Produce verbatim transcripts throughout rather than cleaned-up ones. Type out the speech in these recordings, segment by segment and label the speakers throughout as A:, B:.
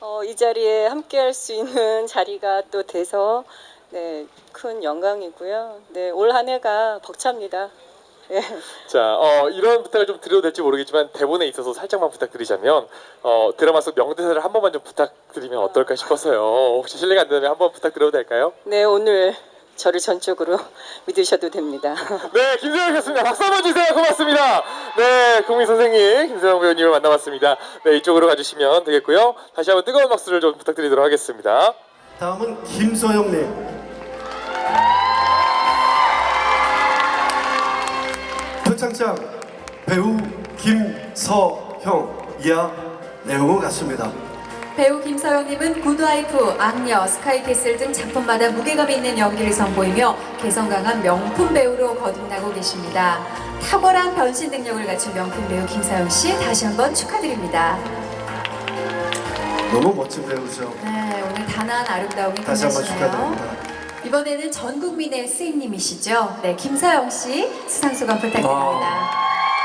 A: 어, 이 자리에 함께할 수 있는 자리가 또 돼서 네, 큰 영광이고요. 네, 올 한 해가 벅찹니다. 네.
B: 자, 어, 이런 부탁을 좀 드려도 될지 모르겠지만 대본에 있어서 살짝만 부탁드리자면 어, 드라마 속 명대사를 한 번만 좀 부탁드리면 어떨까 싶어서요. 혹시 실례가 안 된다면 한 번 부탁드려도 될까요?
A: 네, 오늘 저를 전적으로 믿으셔도 됩니다.
B: 네, 김세영 교수님 박수 한번 주세요. 고맙습니다. 네, 국민 선생님 김세영 배우님을 만나봤습니다. 네, 이쪽으로 가주시면 되겠고요. 다시 한번 뜨거운 박수를 좀 부탁드리도록 하겠습니다.
C: 다음은 김서영님. 표창장 배우 김서형. 이하 내용은 같습니다.
D: 배우 김서영님은 굿와이프, 악녀, 스카이캐슬 등 작품마다 무게감 있는 연기를 선보이며 개성 강한 명품 배우로 거듭나고 계십니다. 탁월한 변신 능력을 갖춘 명품 배우 김서영 씨 다시 한번 축하드립니다.
C: 너무 멋진 배우죠.
D: 네, 오늘 단아한 아름다움이
C: 다시 한번
D: 빛나시네요.
C: 축하드립니다.
D: 이번에는 전 국민의 스님이시죠. 네, 김서영 씨 수상 소감 부탁드립니다.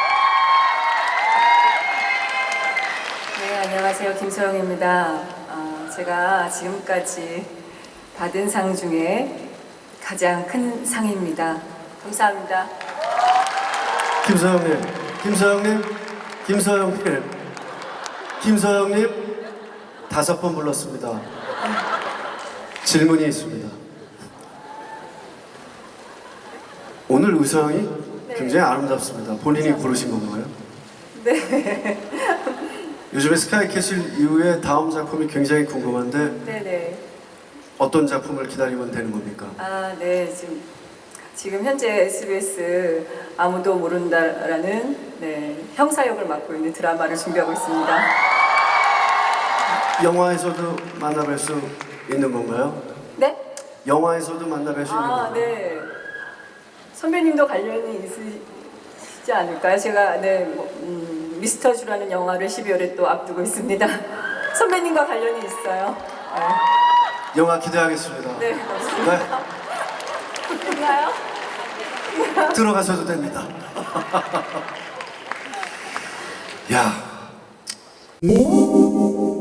E: 네, 안녕하세요. 김소영입니다. 어, 제가 지금까지 받은 상 중에 가장 큰 상입니다. 감사합니다.
C: 김서영님, 김서영님, 김서영님, 김서영님 다섯 번 불렀습니다. 질문이 있습니다. 오늘 의상이
E: 네.
C: 굉장히 아름답습니다. 본인이 고르신 건가요?
E: 네.
C: 요즘에 스카이캐슬 이후에 다음 작품이 굉장히 궁금한데
E: 네네.
C: 어떤 작품을 기다리면 되는 겁니까?
E: 아, 네. 지금, 지금 현재 에스비에스 아무도 모른다라는 네, 형사 역을 맡고 있는 드라마를 준비하고 있습니다.
C: 영화에서도 만나뵐 수 있는 건가요?
E: 네?
C: 영화에서도 만나뵐 수 있는
E: 아,
C: 건가요?
E: 네. 선배님도 관련이 있으시지 않을까요? 제가 네, 뭐, 음, 미스터 주라는 영화를 십이월에 또 앞두고 있습니다. 선배님과 관련이 있어요.
C: 영화 기대하겠습니다.
E: 네, 감사합니다. 됐나요?
C: 네, 들어가셔도 됩니다. 야.